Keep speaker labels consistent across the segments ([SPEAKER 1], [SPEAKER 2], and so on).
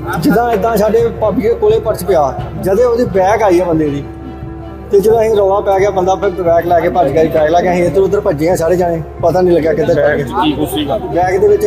[SPEAKER 1] ਜਿੱਦਾਂ ਇਦਾਂ ਸਾਡੇ ਭਾਬੀ ਦੇ ਕੋਲੇ ਪਰਸ ਪਿਆ, ਜਦੇ ਉਹਦੀ ਬੈਗ ਆਈ ਆ ਬੰਦੇ ਦੀ, ਤੇ ਜਦੋਂ ਅਸੀਂ ਰੌਲਾ ਪੈ ਗਿਆ, ਬੰਦਾ ਫਿਰ ਬੈਗ ਲੈ ਕੇ ਭੱਜ ਗਿਆ। ਬੈਗ ਲੈ ਕੇ ਅਸੀਂ ਇੱਧਰ ਉੱਧਰ ਭੱਜੇ ਆ ਸਾਰੇ ਜਾਣੇ, ਪਤਾ ਨਹੀਂ ਲੱਗਿਆ ਕਿੱਧਰ ਪੈ ਗਏ।
[SPEAKER 2] ਕੀ ਕੁਛ ਸੀਗਾ
[SPEAKER 1] ਬੈਗ ਦੇ ਵਿੱਚ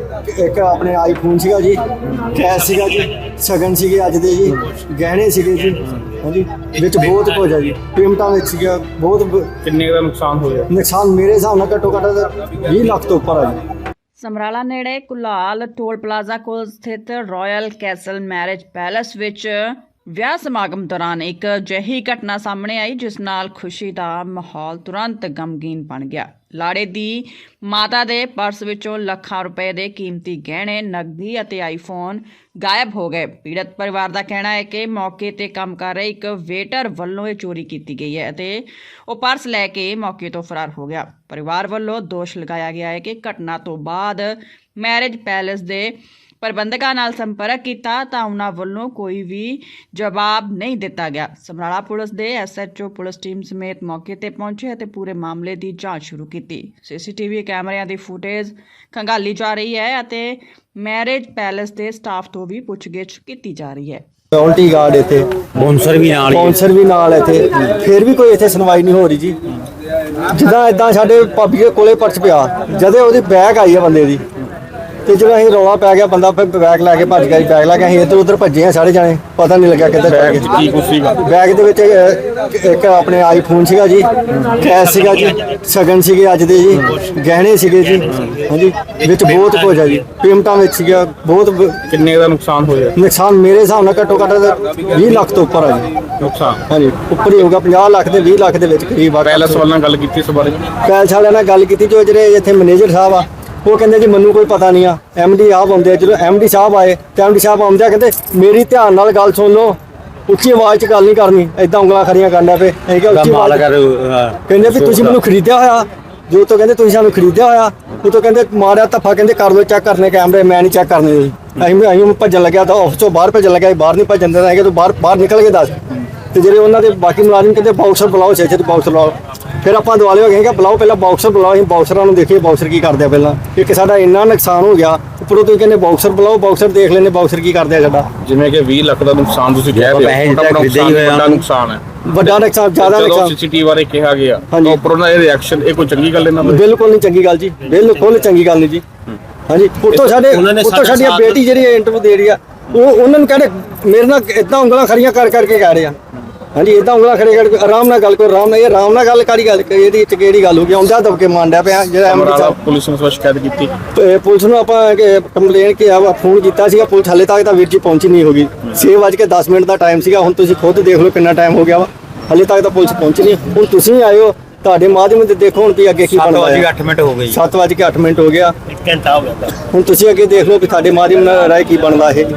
[SPEAKER 1] ਇੱਕ ਆਪਣੇ ਆਈਫੋਨ ਸੀਗਾ ਜੀ, ਕੈਸ਼ ਸੀਗਾ ਜੀ, ਸ਼ਗਨ ਸੀਗੇ ਅੱਜ ਦੇ ਜੀ, ਗਹਿਣੇ ਸੀਗੇ ਜੀ, ਹਾਂਜੀ ਵਿੱਚ ਬਹੁਤ ਕੁਝ ਆ ਜੀ, ਪੇਮੈਂਟਾਂ ਵਿੱਚ ਸੀਗਾ ਬਹੁਤ।
[SPEAKER 2] ਕਿੰਨੇ ਦਾ ਨੁਕਸਾਨ ਹੋਇਆ?
[SPEAKER 1] ਨੁਕਸਾਨ ਮੇਰੇ ਹਿਸਾਬ ਨਾਲ ਘੱਟੋ ਘੱਟ 20 ਲੱਖ ਤੋਂ ਉੱਪਰ ਆ ਜੀ।
[SPEAKER 3] ਸਮਰਾਲਾ ਨੇੜੇ ਕੁਲਾਲ ਟੋਲ ਪਲਾਜ਼ਾ ਕੋਲ ਸਥਿਤ ਰਾਇਲ ਕੈਸਲ ਮੈਰਿਜ ਪੈਲੇਸ ਵਿੱਚ ਵਿਆਹ ਸਮਾਗਮ ਦੌਰਾਨ ਇੱਕ ਅਜਿਹੀ ਘਟਨਾ ਸਾਹਮਣੇ ਆਈ ਜਿਸ ਨਾਲ ਖੁਸ਼ੀ ਦਾ ਮਾਹੌਲ ਤੁਰੰਤ ਗਮਗੀਨ ਬਣ ਗਿਆ। ਲਾੜੇ ਦੀ ਮਾਤਾ ਦੇ ਪਰਸ ਵਿੱਚੋਂ ਲੱਖਾਂ ਰੁਪਏ ਦੇ ਕੀਮਤੀ ਗਹਿਣੇ, ਨਕਦੀ ਅਤੇ ਆਈਫੋਨ ਗਾਇਬ ਹੋ ਗਏ। ਪੀੜਤ ਪਰਿਵਾਰ ਦਾ ਕਹਿਣਾ ਹੈ ਕਿ ਮੌਕੇ ਤੇ ਕੰਮ ਕਰ ਰਹੇ ਇੱਕ ਵੇਟਰ ਵੱਲੋਂ ਇਹ ਚੋਰੀ ਕੀਤੀ ਗਈ ਹੈ ਅਤੇ ਉਹ ਪਰਸ ਲੈ ਕੇ ਮੌਕੇ ਤੋਂ ਫਰਾਰ ਹੋ ਗਿਆ। ਪਰਿਵਾਰ ਵੱਲੋਂ ਦੋਸ਼ ਲਗਾਇਆ ਗਿਆ ਹੈ ਕਿ ਘਟਨਾ ਤੋਂ ਬਾਅਦ ਮੈਰਿਜ ਪੈਲੇਸ ਦੇ ਪ੍ਰਬੰਧਕਾਂ ਨਾਲ ਸੰਪਰਕ ਕੀਤਾ ਤਾਂ ਉਹਨਾਂ ਵੱਲੋਂ ਕੋਈ ਵੀ ਜਵਾਬ ਨਹੀਂ ਦਿੱਤਾ ਗਿਆ। ਸਮਰਾਲਾ ਪੁਲਿਸ ਦੇ SHO ਪੁਲਿਸ ਟੀਮ ਸਮੇਤ ਮੌਕੇ ਤੇ ਪਹੁੰਚੇ ਅਤੇ ਪੂਰੇ ਮਾਮਲੇ ਦੀ ਜਾਂਚ ਸ਼ੁਰੂ ਕੀਤੀ। CCTV ਕੈਮਰਿਆਂ ਦੀ ਫੁਟੇਜ ਖੰਗਾਲੀ ਜਾ ਰਹੀ ਹੈ ਅਤੇ ਮੈਰਿਜ ਪੈਲੇਸ ਦੇ ਸਟਾਫ ਤੋਂ ਵੀ ਪੁੱਛਗਿੱਛ ਕੀਤੀ ਜਾ ਰਹੀ ਹੈ।
[SPEAKER 1] ਸਿਕਿਉਰਿਟੀ ਗਾਰਡ ਇੱਥੇ,
[SPEAKER 4] ਬੌਂਸਰ ਵੀ ਨਾਲ
[SPEAKER 1] ਇੱਥੇ, ਫਿਰ ਵੀ ਕੋਈ ਇੱਥੇ ਸੁਣਵਾਈ ਨਹੀਂ ਹੋ ਰਹੀ ਜੀ। ਜਿੱਦਾਂ ਇਦਾਂ ਸਾਡੇ ਭਾਬੀ ਦੇ ਕੋਲੇ ਪਰਸ ਪਿਆ, ਜਦੇ ਉਹਦੀ ਬੈਗ ਆਈ ਆ ਬੰਦੇ ਦੀ, ਤੇ ਜਦੋਂ ਅਸੀਂ ਰੌਲਾ ਪੈ ਗਿਆ, ਬੰਦਾ ਫਿਰ ਬੈਗ ਲੈ ਕੇ ਭੱਜ ਗਿਆ। ਬੈਗ ਲੈ ਕੇ ਅਸੀਂ ਇੱਧਰ ਉੱਧਰ ਭੱਜੇ ਆ ਸਾਰੇ ਜਾਣੇ, ਪਤਾ ਨਹੀਂ ਲੱਗਿਆ ਕਿੱਧਰ ਪੈ ਗਏ।
[SPEAKER 2] ਕੀ ਕੁਛ ਸੀਗਾ?
[SPEAKER 1] ਬੈਗ ਦੇ ਵਿੱਚ ਇੱਕ ਆਪਣੇ ਆਈਫੋਨ ਸੀਗਾ ਜੀ, ਕੈਸ਼ ਸੀਗਾ ਜੀ, ਸ਼ਗਨ ਸੀਗੇ ਅੱਜ ਦੇ ਜੀ, ਗਹਿਣੇ ਸੀਗੇ ਜੀ, ਹਾਂਜੀ ਵਿੱਚ ਬਹੁਤ ਕੁਝ ਆ ਜੀ, ਪੇਮੈਂਟਾਂ ਵਿੱਚ ਸੀਗਾ ਬਹੁਤ।
[SPEAKER 2] ਕਿੰਨੇ ਦਾ ਨੁਕਸਾਨ ਹੋਇਆ?
[SPEAKER 1] ਨੁਕਸਾਨ ਮੇਰੇ ਹਿਸਾਬ ਨਾਲ ਘੱਟੋ ਘੱਟ 20 ਲੱਖ ਤੋਂ ਉੱਪਰ ਆ ਜੀ।
[SPEAKER 2] ਨੁਕਸਾਨ
[SPEAKER 1] ਹਾਂਜੀ ਉੱਪਰ ਹੀ ਹੋਊਗਾ, 50 ਲੱਖ ਤੇ 20 ਲੱਖ ਦੇ ਵਿੱਚ ਕਰੀਬ ਆ।
[SPEAKER 2] ਪੈਲਸ ਵਾਲਿਆਂ ਨਾਲ ਗੱਲ ਕੀਤੀ ਇਸ ਬਾਰੇ?
[SPEAKER 1] ਪੈਲਸ ਵਾਲਿਆਂ ਨਾਲ ਗੱਲ ਕੀਤੀ, ਜੋ ਜਿਹੜੇ ਇੱਥੇ ਮੈਨੇਜਰ ਸਾਹਿਬ ਆ ਉਹ ਕਹਿੰਦੇ ਜੀ ਮੈਨੂੰ ਕੋਈ ਪਤਾ ਨਹੀਂ ਆ, MD ਆਪ ਆਉਂਦੇ ਆ। ਜਦੋਂ MD ਸਾਹਿਬ ਆਏ ਤੇ MD ਸਾਹਿਬ ਆਉਂਦੇ ਆ ਕਹਿੰਦੇ ਮੇਰੀ ਧਿਆਨ ਨਾਲ ਗੱਲ ਸੁਣ ਲਓ, ਉੱਚੀ ਆਵਾਜ਼ 'ਚ ਗੱਲ ਨਹੀਂ ਕਰਨੀ, ਐਦਾਂ ਉਂਗਲਾਂ ਖੜੀਆਂ ਕਰਨ ਲੱਗ ਪਏ। ਅਸੀਂ ਕਿਹਾ ਉੱਚੀ ਆਵਾਜ਼ ਕਹਿੰਦੇ ਵੀ ਤੁਸੀਂ ਮੈਨੂੰ ਖਰੀਦਿਆ ਹੋਇਆ, ਜੋ ਤੋਂ ਕਹਿੰਦੇ ਤੁਸੀਂ ਸਾਨੂੰ ਖਰੀਦਿਆ ਹੋਇਆ, ਉਹ ਤੋਂ ਕਹਿੰਦੇ ਮਾਰਿਆ ਧੱਫਾ, ਕਹਿੰਦੇ ਕਰ ਲਓ ਚੈੱਕ ਕਰਨੇ ਕੈਮਰੇ, ਮੈਂ ਨਹੀਂ ਚੈੱਕ ਕਰਨੇ ਜੀ। ਅਸੀਂ ਭੱਜਣ ਲੱਗਿਆ ਤਾਂ ਆਫਿਸ ਤੋਂ ਬਾਹਰ ਭੱਜਣ ਲੱਗਿਆ, ਬਾਹਰ ਨਹੀਂ ਭੱਜਣ ਦਿੰਦਾ ਹੈਗਾ, ਤੂੰ ਬਾਹਰ ਨਿਕਲ ਕੇ ਦੱਸ। ਤੇ ਜਿਹੜੇ ਉਹਨਾਂ ਦੇ ਬਾਕੀ ਮੁਲਾਜ਼ਮ ਕਹਿੰਦੇ ਬਾਕਸਰ ਬੁਲਾਓ, ਛੇ ਬਾਕਸਰ ਬੁਲਾਓ। ਫਿਰ ਆਪਾਂ ਦੁਆਲੇ ਹੋ ਗਏ ਕਿ ਬੁਲਾਓ, ਪਹਿਲਾਂ ਬਾਕਸਰ ਬੁਲਾਓ। ਅਸੀਂ ਬਾਕਸਰਾਂ ਨੂੰ ਦੇਖੀਏ ਬਾਕਸਰ ਕੀ ਕਰਦੇ ਆ। ਪਹਿਲਾਂ ਇੱਕ ਸਾਡਾ ਇੰਨਾ ਨੁਕਸਾਨ ਹੋ ਗਿਆ, ਉੱਪਰੋਂ ਤੁਸੀਂ ਕਹਿੰਦੇ ਬਾਕਸਰ ਬੁਲਾਓ, ਬਾਕਸਰ ਦੇਖ ਲੈਣੇ ਬਾਕਸਰ ਕੀ ਕਰਦੇ ਆ ਸਾਡਾ।
[SPEAKER 2] ਜਿਵੇਂ ਕਿ 20 ਲੱਖ ਦਾ ਨੁਕਸਾਨ ਤੁਸੀਂ ਕਹਿ ਰਹੇ ਹੋ, ਵੱਡਾ ਨੁਕਸਾਨ ਹੈ,
[SPEAKER 1] ਵੱਡਾ ਨੁਕਸਾਨ, ਜ਼ਿਆਦਾ ਨੁਕਸਾਨ।
[SPEAKER 2] CCTV ਬਾਰੇ ਕਿਹਾ ਗਿਆ ਉੱਪਰੋਂ ਦਾ ਇਹ ਰਿਐਕਸ਼ਨ, ਇਹ ਕੋਈ ਚੰਗੀ ਗੱਲ ਇਹਨਾਂ ਦੀ?
[SPEAKER 1] ਬਿਲਕੁਲ ਨਹੀਂ ਚੰਗੀ ਗੱਲ ਜੀ, ਬਿਲਕੁਲ ਚੰਗੀ ਗੱਲ ਨਹੀਂ ਜੀ। ਹਾਂਜੀ ਉੱਤੋਂ ਸਾਡੀ ਬੇਟੀ ਜਿਹੜੀ ਇੰਟਰਵਿਊ ਦੇ ਰਹੀ ਆ, ਉਹਨਾਂ ਨੂੰ ਕਹਿੰਦੇ ਮੇਰੇ ਨਾਲ ਇਦਾਂ ਉਂਗਲਾਂ ਖੜੀਆਂ ਕਰਕੇ ਕਹਿ ਰਹੇ ਆ। ਹਾਂਜੀ ਇਦਾਂ ਉਂਗਲਾਂ ਖੜੇ ਕਰਕੇ ਆਰਾਮ ਨਾਲ ਗੱਲ ਕਰੋ, ਆਰਾਮ ਨਾਲ ਗੱਲ ਕਰੀ। ਗੱਲ ਇਹਦੀ ਚ ਕਿਹੜੀ ਗੱਲ ਹੋ ਗਈ? ਆਉਂਦਾ ਦਬਕੇ ਮਾਂਡਿਆ ਪਿਆ ਜਿਹੜਾ MD ਸਾਹਿਬ।
[SPEAKER 2] ਪੁਲਿਸ ਨੂੰ ਸ਼ਿਕਾਇਤ ਕੀਤੀ?
[SPEAKER 1] ਪੁਲਿਸ ਨੂੰ ਆਪਾਂ ਕੰਪਲੇਨ ਫੋਨ ਕੀਤਾ ਸੀਗਾ, ਪੁਲਿਸ ਹਾਲੇ ਤੱਕ ਤਾਂ ਵੀਰ ਜੀ ਪਹੁੰਚੀ ਨਹੀਂ ਹੋਗੀ। 6:10 ਦਾ ਟਾਈਮ ਸੀਗਾ, ਹੁਣ ਤੁਸੀਂ ਖੁਦ ਦੇਖ ਲਓ ਕਿੰਨਾ ਟਾਈਮ ਹੋ ਗਿਆ ਵਾ, ਹਾਲੇ ਤੱਕ ਤਾਂ ਪੁਲਿਸ ਪਹੁੰਚੀ ਨਹੀਂ। ਹੁਣ ਤੁਸੀਂ ਆਏ ਹੋ, ਤੁਹਾਡੇ ਮਾਧਿਅਮ ਤੇ ਦੇਖੋ ਹੁਣ ਵੀ ਅੱਗੇ ਕੀ ਬਣਦਾ ਹੈ।
[SPEAKER 4] 7:08 ਮਿੰਟ ਹੋ ਗਏ,
[SPEAKER 1] 7:08 ਮਿੰਟ ਹੋ ਗਿਆ,
[SPEAKER 4] 1 ਘੰਟਾ ਹੋ ਗਿਆ।
[SPEAKER 1] ਹੁਣ ਤੁਸੀਂ ਅੱਗੇ ਦੇਖ ਲਓ ਵੀ ਤੁਹਾਡੇ ਮਾਧਿਅਮ ਨਾਲ ਰਾਏ ਕੀ ਬਣਦਾ ਇਹ।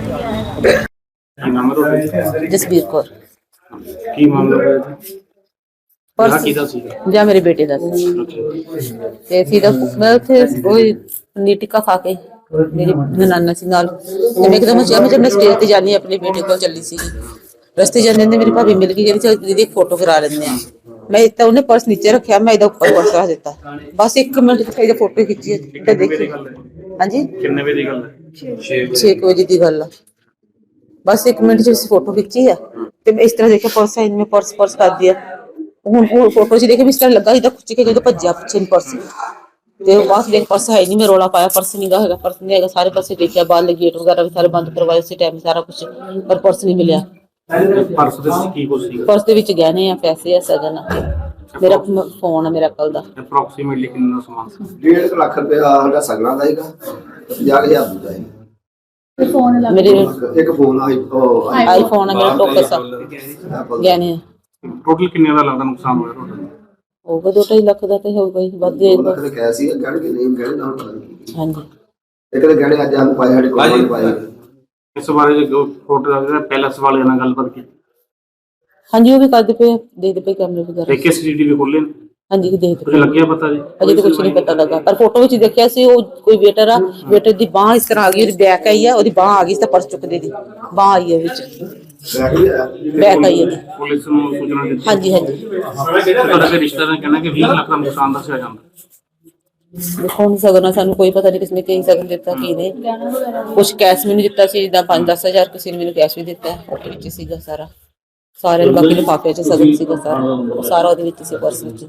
[SPEAKER 5] ਜਸਬੀਰ ਕੌਰ।
[SPEAKER 2] ਕੀ ਮਾਮਲਾ ਹੋਇਆ ਜੀ?
[SPEAKER 5] ਪਰਸ ਜਾਂ ਮੇਰੇ ਬੇਟੇ ਦਾ ਤੇ ਸੀ ਦਾ ਮੈਂ ਉੱਥੇ ਕੋਈ ਪਨੀਰ ਟਿੱਕਾ ਖਾ ਕੇ ਮੇਰੀ ਨਨਾਨਾ ਸੀ ਨਾਲ, ਤੇ ਮੈਂ ਇੱਕਦਮ ਜਦ ਮੈਂ ਸਟੇਜ ਤੇ ਜਾਣੀ ਆਪਣੇ ਬੇਟੇ ਕੋਲ ਚੱਲੀ ਸੀ, ਰਸਤੇ ਜਾਂਦੇ ਨੇ ਮੇਰੀ ਭਾਬੀ ਮਿਲ ਗਈ, ਜਿਹੜੀ ਦੀਦੀ ਇੱਕ ਫੋਟੋ ਕਰਾ ਲੈਂਦੇ ਆ। ਮੈਂ ਤਾਂ ਉਹਨੇ ਪਰਸ ਨੀਚੇ ਰੱਖਿਆ, ਮੈਂ ਇਹਦਾ ਉੱਪਰ ਪਰਸ ਰੱਖ ਦਿੱਤਾ, ਬਸ 1 ਮਿੰਟ ਚ ਇਹਦੀ ਫੋਟੋ ਖਿੱਚੀ ਤੇ ਦੇਖੀ। ਹਾਂਜੀ
[SPEAKER 2] ਕਿੰਨੇ ਵਜੇ ਦੀ ਗੱਲ ਹੈ?
[SPEAKER 5] 6 ਵਜੇ ਦੀ ਗੱਲ ਆ, ਬਸ 1 ਮਿੰਟ ਚ ਫੋਟੋ ਖਿੱਚੀ ਆ ਤੇ ਮੈਂ ਇਸ ਤਰ੍ਹਾਂ ਦੇਖਿਆ ਪਰਸ ਹੈ, ਮੈਂ ਪਰਸ ਕਰ ਦਿਆ। ਹੁਣ ਫੋਟੋ ਚ ਦੇਖੇ ਵੀ ਇਸ ਤਰ੍ਹਾਂ ਲੱਗਾ ਇਹਦਾ ਖੁੱਚ ਕੇ ਜਦੋਂ ਭੱਜਿਆ ਪਿੱਛੇ ਨੂੰ ਪਰਸ, ਤੇ ਬਾਅਦ ਦੇਖ ਪਰਸ ਹੈ ਨਹੀਂ। ਮੈਂ ਰੋਲਾ ਪਾਇਆ ਪਰਸ ਨਹੀਂ ਹੈਗਾ, ਪਰਸ ਨਹੀਂ ਹੈਗਾ। ਸਾਰੇ ਪਾਸੇ ਦੇਖਿਆ, ਬਾਹਰ ਗੇਟ ਵਗੈਰਾ ਵੀ ਸਾਰੇ ਬੰਦ ਕਰਵਾਏ ਉਸੇ ਟਾਈਮ, ਸਾਰਾ ਕੁਝ, ਪਰ ਪਰਸ ਨਹੀਂ ਮਿਲਿਆ।
[SPEAKER 2] ਪਰਸ ਦੇ ਵਿੱਚ ਕੀ ਕੁਝ ਸੀ?
[SPEAKER 5] ਪਰਸ ਦੇ ਵਿੱਚ ਗਹਿਣੇ ਆ, ਪੈਸੇ ਆ, ਸਗਨ ਆ, ਮੇਰਾ ਫੋਨ ਆ ਮੇਰਾ ਕੱਲ ਦਾ।
[SPEAKER 2] ਅਪਰੋਕਸੀਮੇਟਲੀ ਕਿੰਨਾ ਸਮਾਨ ਸੀ?
[SPEAKER 6] 1.5 ਲੱਖ ਰੁਪਏ ਸਾਡਾ ਸਗਣਾ ਦਾ ਹੈਗਾ, 50,000 ਦਾ ਹੈ।
[SPEAKER 5] ਮੇਰੇ
[SPEAKER 6] ਇੱਕ ਫੋਨ
[SPEAKER 5] ਆਈਫੋਨ ਆ, ਮੇਰਾ ਟੋਕਸ ਆ, ਗਹਿਣੇ ਆ।
[SPEAKER 2] ਟੋਟਲ ਕਿੰਨੇ ਦਾ ਲੱਗਦਾ ਨੁਕਸਾਨ ਹੋਇਆ ਟੋਟਲ?
[SPEAKER 5] ਹੋਊਗਾ 2-2.5 ਲੱਖ ਦਾ ਤੇ ਹੋਊਗਾ ਹੀ, ਵੱਧ ਜਾਏਗਾ।
[SPEAKER 6] ਕਹਿ ਸੀ ਗੜ ਕੇ ਨਹੀਂ ਗੜ ਨਾਲ ਪਤਾ ਨਹੀਂ।
[SPEAKER 5] ਹਾਂਜੀ
[SPEAKER 6] ਇੱਕ ਤਾਂ ਗੜੇ ਅੱਜ ਆਨੂੰ ਪਾਏ ਸਾਡੇ ਕੋਲ ਪਾਏ।
[SPEAKER 2] ਇਸ ਬਾਰੇ ਜੋ ਫੋਟੋ ਦਾ ਪੈਲਸ ਵਾਲਿਆਂ ਨਾਲ ਗੱਲਬਾਤ ਕੀਤੀ?
[SPEAKER 5] ਹਾਂਜੀ ਉਹ ਵੀ ਕਰਦੇ ਪਏ, ਦੇਖਦੇ ਪਏ ਕੈਮਰੇ ਵਗੈਰਾ।
[SPEAKER 2] ਦੇਖੇ CCTV ਖੋਲੇ ਨੇ?
[SPEAKER 5] ਹਾਂਜੀ ਦੇਖਦੇ
[SPEAKER 2] ਕੁਝ ਲੱਗਿਆ ਪਤਾ ਜੀ?
[SPEAKER 5] ਅਜੇ ਤਾਂ ਕੁਝ ਨਹੀਂ ਪਤਾ ਲੱਗਾ, ਪਰ ਫੋਟੋ ਵਿੱਚ ਦੇਖਿਆ ਸੀ ਉਹ ਕੋਈ ਵੇਟਰ ਆ, ਵੇਟਰ ਦੀ ਬਾਹ ਇਸ ਤਰ੍ਹਾਂ ਆ ਗਈ, ਉਹਦੀ ਬੈਕ ਆਈ ਆ, ਉਹਦੀ ਬਾਹ ਆ ਗਈ ਤਾਂ ਪਰਸ ਚੁੱਕਦੇ ਦੀ ਬਾਹ ਆਈ ਹੈ ਵਿੱਚ, ਬੈਕ ਆਈ ਹੈ।
[SPEAKER 2] ਪੁਲਿਸ ਨੂੰ ਸੂਚਨਾ ਦਿੱਤੀ?
[SPEAKER 5] ਹਾਂਜੀ
[SPEAKER 2] ਤੁਹਾਡੇ ਰਿਸ਼ਤੇਦਾਰਾਂ ਨੇ ਕਹਿਣਾ ਕਿ 20 ਲੱਖ ਦਾ ਨੁਕਸਾਨ ਦੱਸਿਆ ਜਾਂਦਾ।
[SPEAKER 5] ਦੇਖੋ ਹੁਣ ਸਗਨ ਸਾਨੂੰ ਕੋਈ ਪਤਾ ਨਹੀਂ ਕਿਸਨੇ ਕੀ ਸਗਨ ਦਿੱਤਾ ਕੀ ਨਹੀਂ। ਕੁਛ ਕੈਸ਼ ਮੈਨੂੰ ਦਿੱਤਾ ਸੀ, ਜਿੱਦਾਂ 5-10 ਹਜ਼ਾਰ ਕਿਸੇ ਨੇ ਮੈਨੂੰ ਕੈਸ਼ ਵੀ ਦਿੱਤਾ, ਉਹਦੇ ਵਿੱਚ ਸੀਗਾ ਸਾਰਾ। ਸਾਰੇ ਬਾਕੀ ਲਿਫਾਫੇ 'ਚ ਸਗਨ ਸੀਗਾ ਸਾਰਾ, ਉਹ ਸਾਰਾ ਉਹਦੇ ਵਿੱਚ ਸੀ, ਪਰਸ ਵਿੱਚ।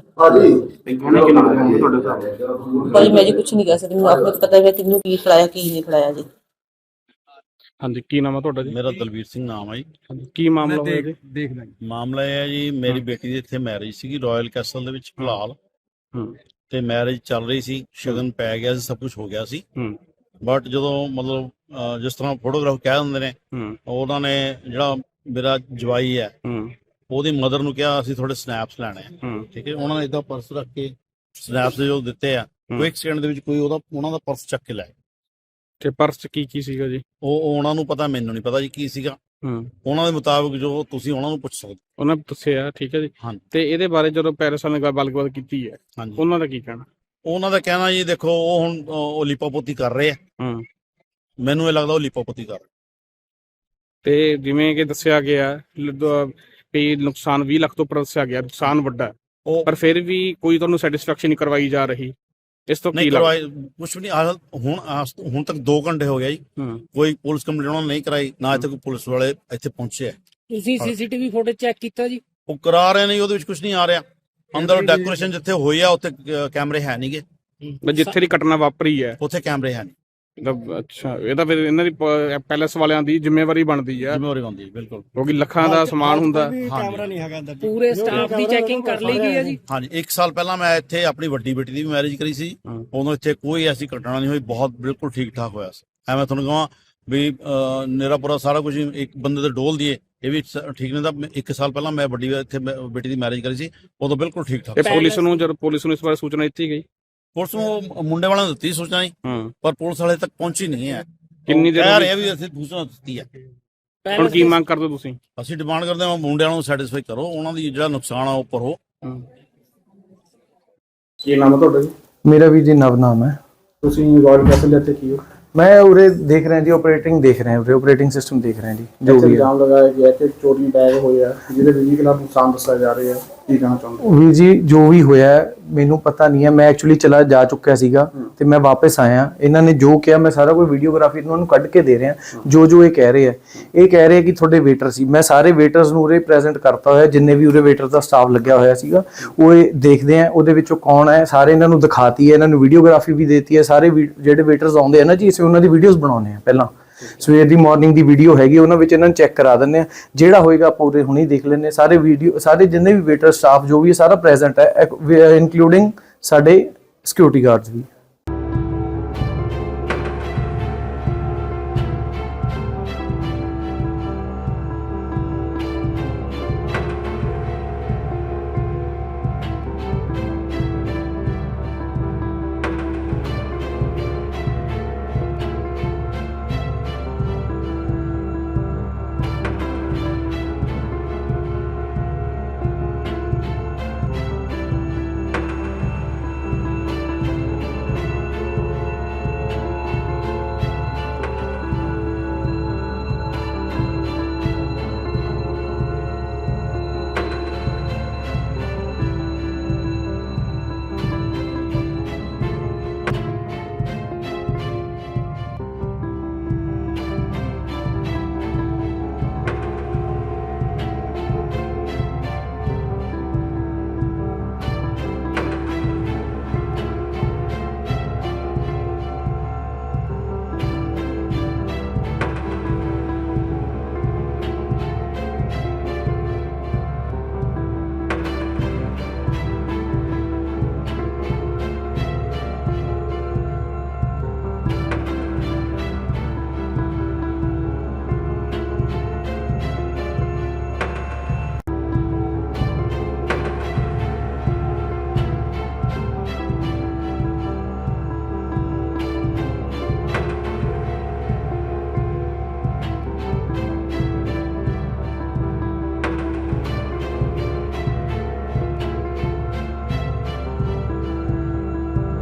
[SPEAKER 5] ਭਾਜੀ ਮੈਂ ਜੀ ਕੁਛ ਨਹੀਂ ਕਹਿ ਸਕਦੀ, ਮੈਨੂੰ ਆਪਣੇ ਪਤਾ ਹੈ ਕਿਹਨੂੰ ਕੀ ਖਿਲਾਇਆ ਕੀ ਨਹੀਂ ਖਿਲਾਇਆ ਜੀ।
[SPEAKER 7] ਹਾਂਜੀ, ਕੀ ਨਾਮ ਹੈ ਤੁਹਾਡਾ ਜੀ?
[SPEAKER 2] ਮੇਰਾ ਦਲਵੀਰ ਸਿੰਘ ਨਾਮ ਹੈ ਜੀ।
[SPEAKER 7] ਕੀ ਮਾਮਲਾ ਹੋਇਆ ਜੀ?
[SPEAKER 2] ਮਾਮਲਾ ਇਹ ਹੈ ਜੀ, ਮੇਰੀ ਬੇਟੀ ਦੀ ਇੱਥੇ ਮੈਰਿਜ ਸੀਗੀ ਰਾਇਲ ਕੈਸਲ ਦੇ ਵਿੱਚ ਫਿਲਹਾਲ, ਤੇ ਮੈਰਿਜ ਚੱਲ ਰਹੀ ਸੀ, ਸ਼ਗਨ ਪੈ ਗਿਆ ਸੀ, ਸਭ ਕੁਝ ਹੋ ਗਿਆ ਸੀ। ਬਟ ਜਦੋਂ ਮਤਲਬ ਜਿਸ ਤਰ੍ਹਾਂ ਫੋਟੋਗ੍ਰਾਫ ਕਹਿ ਦਿੰਦੇ ਨੇ, ਉਹਨਾਂ ਨੇ ਜਿਹੜਾ ਮੇਰਾ ਜਵਾਈ ਹੈ ਉਹਦੀ ਮਦਰ ਨੂੰ ਕਿਹਾ ਅਸੀਂ ਥੋੜੇ ਸਨੈਪਸ ਲੈਣੇ ਆ, ਠੀਕ ਹੈ। ਉਹਨਾਂ ਨੇ ਏਦਾਂ ਪਰਸ ਰੱਖ ਕੇ ਸਨੈਪਸ ਜੋ ਦਿੱਤੇ ਆ, ਕੋਈ ਇੱਕ ਸੈਕਿੰਡ ਦੇ ਵਿੱਚ ਕੋਈ ਉਹਨਾਂ ਦਾ ਪਰਸ ਚੱਕ ਕੇ ਲੈ।
[SPEAKER 7] ਤੇ ਪਰਸ 'ਚ ਕੀ ਸੀਗਾ ਜੀ?
[SPEAKER 2] ਉਹ ਉਹਨਾਂ ਨੂੰ ਪਤਾ, ਮੈਨੂੰ ਨਹੀਂ ਪਤਾ ਜੀ ਕੀ ਸੀਗਾ। ਉਹਨਾਂ ਦੇ ਮੁਤਾਬਕ ਜੋ ਤੁਸੀਂ ਉਹਨਾਂ ਨੂੰ ਪੁੱਛ ਸਕਦੇ।
[SPEAKER 7] ਉਹਨਾਂ ਨੇ ਦੱਸਿਆ, ਠੀਕ ਹੈ ਜੀ।
[SPEAKER 2] ਹਾਂਜੀ।
[SPEAKER 7] ਤੇ ਇਹਦੇ ਬਾਰੇ ਜਦੋਂ ਪੈਰਿਸ ਵਾਲਿਆਂ ਨੇ ਗੱਲਬਾਤ ਕੀਤੀ ਹੈ,
[SPEAKER 2] ਹਾਂਜੀ,
[SPEAKER 7] ਉਹਨਾਂ ਦਾ ਕੀ ਕਹਿਣਾ?
[SPEAKER 2] ਉਹਨਾਂ ਦਾ ਕਹਿਣਾ ਜੀ ਦੇਖੋ, ਉਹ ਹੁਣ ਉਹ ਲਿਪਾਪੋਤੀ ਕਰ ਰਹੇ ਆ। ਮੈਨੂੰ ਇਹ ਲੱਗਦਾ ਉਹ ਲਿਪਾਪੋਤੀ ਕਰ ਰਹੇ।
[SPEAKER 7] ਤੇ ਜਿਵੇਂ ਕਿ ਦੱਸਿਆ ਗਿਆ ਵੀ ਨੁਕਸਾਨ 20 ਲੱਖ ਤੋਂ ਉੱਪਰ ਦੱਸਿਆ ਗਿਆ, ਨੁਕਸਾਨ ਵੱਡਾ ਹੈ, ਪਰ ਫਿਰ ਵੀ ਕੋਈ ਤੁਹਾਨੂੰ ਸੈਟੀਸਫੈਕਸ਼ਨ ਨਹੀਂ ਕਰਵਾਈ ਜਾ ਰਹੀ। ਇਸ ਤੋਂ ਕੀ ਲੱਗਦਾ?
[SPEAKER 2] ਕੁਛ ਵੀ ਨਹੀਂ। ਹੁਣ ਤੱਕ 2 ਘੰਟੇ ਹੋ ਗਿਆ ਜੀ, ਕੋਈ ਪੁਲਿਸ ਕੰਪਲੇਂਟ ਉਹਨਾਂ ਨੇ ਨਹੀਂ ਕਰਾਈ, ਨਾ ਇੱਥੇ ਕੋਈ ਪੁਲਿਸ ਵਾਲੇ ਇੱਥੇ ਪਹੁੰਚੇ ਆ।
[SPEAKER 8] ਤੁਸੀਂ ਸੀਸੀਟੀਵੀ ਫੁਟੇਜ ਚੈੱਕ ਕੀਤਾ ਜੀ?
[SPEAKER 2] ਉਹ ਕਰਾ ਰਹੇ ਨੇ, ਉਹਦੇ ਵਿੱਚ ਕੁਝ ਨਹੀਂ ਆ ਰਿਹਾ। ਅੰਦਰ ਡੈਕੋਰੇਸ਼ਨ ਜਿੱਥੇ ਹੋਈ ਆ ਉੱਥੇ ਕੈਮਰੇ ਹੈ ਨਹੀਂਗੇ।
[SPEAKER 7] ਜਿੱਥੇ ਦੀ ਘਟਨਾ ਵਾਪਰੀ ਹੈ ਉੱਥੇ
[SPEAKER 2] ਕੈਮਰੇ ਹੈ ਨਹੀਂ।
[SPEAKER 7] ਅੱਛਾ, ਇਹ ਤਾਂ ਫਿਰ ਇਹਨਾਂ ਦੀ ਪੈਲੇਸ ਵਾਲਿਆਂ ਦੀ ਜ਼ਿੰਮੇਵਾਰੀ ਬਣਦੀ ਹੈ।
[SPEAKER 2] ਜ਼ਿੰਮੇਵਾਰੀ ਬਣਦੀ ਬਿਲਕੁਲ,
[SPEAKER 7] ਕਿਉਂਕਿ ਲੱਖਾਂ ਦਾ ਸਮਾਨ ਹੁੰਦਾ।
[SPEAKER 1] ਕੈਮਰਾ ਨਹੀਂ ਹੈਗਾ ਅੰਦਰ।
[SPEAKER 8] ਪੂਰੇ ਸਟਾਫ ਦੀ ਚੈਕਿੰਗ ਕਰ ਲਈ ਗਈ ਹੈ ਜੀ?
[SPEAKER 2] ਹਾਂਜੀ, 1 ਸਾਲ ਪਹਿਲਾਂ ਮੈਂ ਇੱਥੇ ਆਪਣੀ ਵੱਡੀ ਬੇਟੀ ਦੀ ਵੀ ਮੈਰਿਜ ਕਰੀ ਸੀ, ਉਦੋਂ ਇੱਥੇ ਕੋਈ ਐਸੀ ਘਟਨਾ ਨਹੀਂ ਹੋਈ, ਬਹੁਤ ਬਿਲਕੁਲ ਠੀਕ ਠਾਕ ਹੋਇਆ ਸੀ। ਐਵੇਂ ਤੁਹਾਨੂੰ ਕਹਾਂ ਵੀ ਮੇਰਾ ਪੂਰਾ ਸਾਰਾ ਕੁਝ ਇੱਕ ਬੰਦੇ ਦੇ ਡੋਲ ਦੀਏ ਇਹ ਵੀ ਠੀਕ ਨਹੀਂ। ਤਾਂ 1 ਸਾਲ ਪਹਿਲਾਂ ਮੈਂ ਵੱਡੀ ਇੱਥੇ ਬੇਟੀ ਦੀ ਮੈਰਿਜ ਕਰੀ ਸੀ, ਉਦੋਂ ਬਿਲਕੁਲ ਠੀਕ ਠਾਕ।
[SPEAKER 7] ਪੁਲਿਸ ਨੂੰ ਜਦੋਂ ਪੁਲਿਸ ਨੂੰ ਇਸ ਬਾਰੇ ਸੂਚਨਾ ਦਿੱਤੀ ਗਈ?
[SPEAKER 2] ਪੁਲਿਸ ਨੂੰ ਮੁੰਡੇ ਵਾਲਿਆਂ ਨੂੰ ਦਿੱਤੀ ਸੂਚਨਾ ਜੀ, ਪਰ ਪੁਲਿਸ ਵਾਲੇ ਤੱਕ ਪਹੁੰਚੀ ਨਹੀਂ ਹੈ।
[SPEAKER 7] ਕਿੰਨੀ ਦੇਰ
[SPEAKER 2] ਕਹਿ ਰਹੇ ਵੀ ਅਸੀਂ ਸੂਚਨਾ ਦਿੱਤੀ ਹੈ।
[SPEAKER 7] ਹੁਣ ਕੀ ਮੰਗ ਕਰਦੇ ਤੁਸੀਂ?
[SPEAKER 2] ਅਸੀਂ ਡਿਮਾਂਡ ਕਰਦੇ ਹਾਂ ਮੁੰਡਿਆਂ ਨੂੰ ਸੈਟੀਸਫਾਈ ਕਰੋ, ਉਹਨਾਂ ਦੀ ਜਿਹੜਾ ਨੁਕਸਾਨ ਆ ਉਹ ਭਰੋ।
[SPEAKER 7] ਕੀ ਨਾਮ ਹੈ ਤੁਹਾਡਾ ਜੀ?
[SPEAKER 9] ਮੇਰਾ ਵੀ ਜੀ ਨਵ ਨਾਮ ਹੈ।
[SPEAKER 7] ਤੁਸੀਂ ਰਾਇਲ ਕੈਸਲ ਦੇ ਇੱਥੇ ਕੀ ਹੋ?
[SPEAKER 9] मैं उरे देख रहे हैं जी, ऑपरेटिंग देख रहे हैं, उरे ऑपरेटिंग सिस्टम देख रहे हैं जी। जो भी
[SPEAKER 7] इल्जाम लगाया गया कि चोरी बैग होया ਜਿਹਦੇ ਬਿਜਲੀ ਖਿਲਾਫ ਨੁਕਸਾਨ ਦੱਸਿਆ ਜਾ ਰਿਹਾ ਹੈ, ਕੀ ਕਹਿਣਾ ਚਾਹੁੰਦੇ?
[SPEAKER 9] ਵੀ ਜੀ ਜੋ ਵੀ ਹੋਇਆ ਮੈਨੂੰ ਪਤਾ ਨਹੀਂ ਹੈ। ਮੈਂ ਐਕਚੁਅਲੀ ਚਲਾ ਜਾ ਚੁੱਕਿਆ ਸੀਗਾ ਤੇ ਮੈਂ ਵਾਪਸ ਆਇਆ। ਇਹਨਾਂ ਨੇ ਜੋ ਕਿਹਾ ਮੈਂ ਸਾਰਾ ਕੋਈ ਵੀਡੀਓਗ੍ਰਾਫੀ ਇਹਨਾਂ ਨੂੰ ਕੱਢ ਕੇ ਦੇ ਰਿਹਾ। ਜੋ ਜੋ ਇਹ ਕਹਿ ਰਹੇ ਆ, ਇਹ ਕਹਿ ਰਹੇ ਕਿ ਤੁਹਾਡੇ ਵੇਟਰ ਸੀ। ਮੈਂ ਸਾਰੇ ਵੇਟਰਸ ਨੂੰ ਉਰੇ ਪ੍ਰੈਜ਼ੈਂਟ ਕਰਤਾ ਹੋਇਆ, ਜਿੰਨੇ ਵੀ ਉਰੇ ਵੇਟਰ ਦਾ ਸਟਾਫ ਲੱਗਿਆ ਹੋਇਆ ਸੀਗਾ। ਉਹ ਇਹ ਦੇਖਦੇ ਆ ਉਹਦੇ ਵਿੱਚੋਂ ਕੌਣ ਹੈ, ਸਾਰੇ ਇਹਨਾਂ ਨੂੰ ਦਿਖਾਤੀ ਹੈ, ਇਹਨਾਂ ਨੂੰ ਵੀਡੀਓਗ੍ਰਾਫੀ ਵੀ ਦੇਤੀ ਹੈ। ਸਾਰੇ ਜਿਹੜੇ ਵੇਟਰਸ ਆਉਂਦੇ ਆ ਨਾ ਜੀ, ਅਸੀਂ ਉਹਨਾਂ ਦੀ ਵੀਡੀਓਜ਼ ਬਣਾਉਂਦੇ ਆ। ਪਹਿਲਾਂ ਸਵੇਰ ਦੀ ਮਾਰਨਿੰਗ ਦੀ ਵੀਡੀਓ ਹੈਗੀ, ਉਹਨਾਂ ਵਿੱਚ ਇਹਨਾਂ ਨੂੰ ਚੈੱਕ ਕਰਾ ਦਿੰਦੇ ਆ। ਜਿਹੜਾ ਹੋਏਗਾ ਆਪਾਂ ਉਰੇ ਹੁਣੇ ਦੇਖ ਲੈਂਦੇ। ਸਾਰੇ ਵੀਡੀਓ, ਸਾਰੇ ਜਿੰਨੇ ਵੀ ਵੇਟਰ ਸਟਾਫ ਜੋ ਵੀ ਸਾਰਾ ਪ੍ਰੈਜ਼ੈਂਟ ਹੈ, ਇਨਕਲੂਡਿੰਗ ਸਾਡੇ ਸਿਕਿਉਰਿਟੀ ਗਾਰਡਸ ਵੀ।